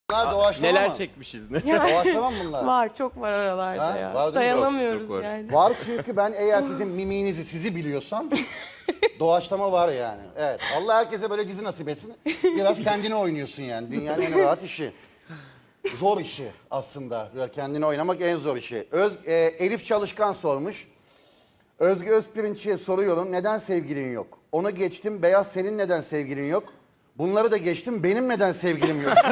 Bunlar doğaçlama Neler mı? çekmişiz ne? Doğaçlama mı bunlar? Var, çok var aralarda Ha? ya. Var değil mi? Dayanamıyoruz Çok var. yani. Var çünkü ben eğer sizin mimiğinizi sizi biliyorsam doğaçlama var yani. Evet. Allah herkese böyle dizi nasip etsin. Biraz kendine oynuyorsun yani. Dünyanın en rahat işi. Zor işi aslında. Böyle kendini oynamak en zor işi. Elif Çalışkan sormuş. Özge Özpirinç'e soruyorum. Neden sevgilin yok? Onu geçtim. Beyaz senin neden sevgilin yok? Bunları da geçtim. Benim neden sevgilim yok?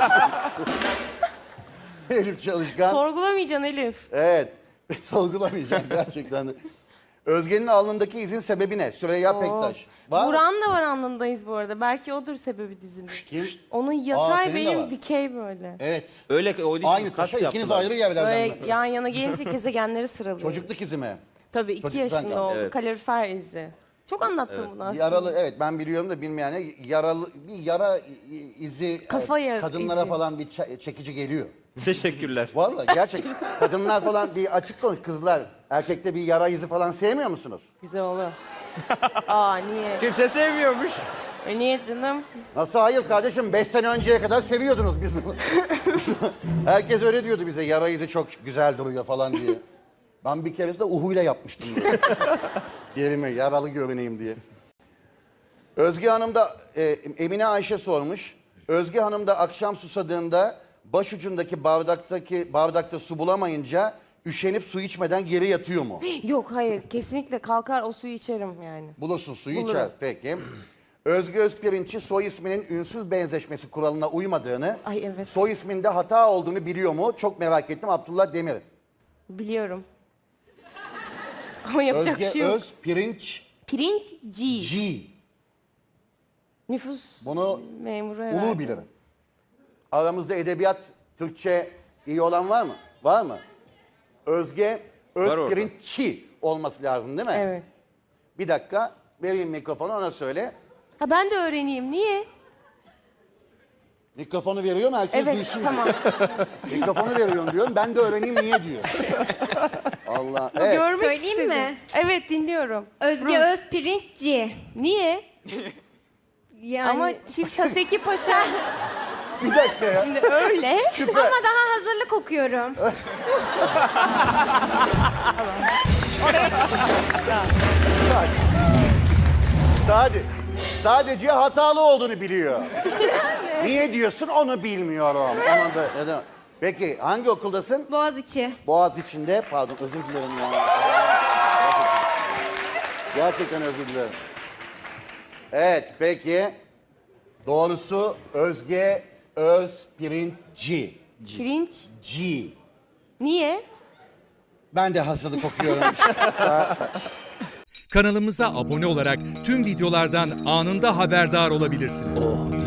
Elif Çalışkan. Sorgulamayacaksın Elif. Evet. Sorgulamayacağım gerçekten de. Özge'nin alnındaki izin sebebi ne? Süreyya Pektaş. Var mı? Buran da var alnındayız bu arada. Belki odur sebebi dizinin. Kim? Onun senin yatay de benim var. dikey böyle. Evet. Öyle o Aynı taşa ikiniz ayrı yerlerden Böyle mi? yan yana gelince gezegenleri sıralıyor. Çocukluk izi mi? Tabii 2 Çocuktan yaşında kaldı. oldu. Evet. Kalorifer izi. Çok anlattım bunu aslında. Yaralı, evet ben biliyorum da bilmeyene bir yara izi Kafa yara kadınlara izi. falan bir çekici geliyor. Teşekkürler. Vallahi gerçek. Kadınlar falan bir açık konuş kızlar. Erkekte bir yara izi falan sevmiyor musunuz? Güzel olur. Aa niye? Kimse sevmiyormuş. Niye canım? Nasıl hayır kardeşim? 5 sene önceye kadar seviyordunuz biz bunu. Herkes öyle diyordu bize. Yara izi çok güzel duruyor falan diye. Ben bir keresinde uhuyla yapmıştım böyle. Yerime yaralı görüneyim diye. Özge Hanım da Emine Ayşe sormuş. Özge Hanım da akşam susadığında başucundaki bardakta su bulamayınca üşenip su içmeden geri yatıyor mu? Yok hayır kesinlikle kalkar o suyu içerim yani. Bulursun suyu Bulurum. içer. Peki. Özge Özpirinç'i soy isminin ünsüz benzeşmesi kuralına uymadığını, Ay evet. soy isminde hata olduğunu biliyor mu? Çok merak ettim. Abdullah Demir. Biliyorum. Ama yapacak bir Özge şey yok. Özpirinç Pirinç G. G. Nüfus Bunu memuru herhalde. ulu bilirim. Aramızda edebiyat, Türkçe iyi olan var mı? Var mı? Özge orada. Özpirinççi olması lazım değil mi? Evet. Bir dakika vereyim mikrofonu ona söyle. Ha ben de öğreneyim. Niye? Mikrofonu veriyorum herkes Evet duysun. tamam. Mikrofonu veriyorum diyorum. Ben de öğreneyim niye diyor. Allah. Evet. Görmek Söyleyeyim istedim. mi? Evet dinliyorum. Özge Özpirinçci. Niye? Yani Ama Çift Haseki Paşa Bir dakika ya. şimdi öyle. ama daha hazırlık okuyorum. Sadece hatalı olduğunu biliyor. Niye diyorsun onu bilmiyorum. Onu da, neden? Peki hangi okuldasın? Boğaziçi. Boğaziçi'nde. Pardon özür dilerim ya. Gerçekten özür dilerim. Evet peki. Doğrusu Özge Özpirinçci. Pirinç. G. Niye? Ben de hazırlık okuyorum. Kanalımıza abone olarak tüm videolardan anında haberdar olabilirsiniz.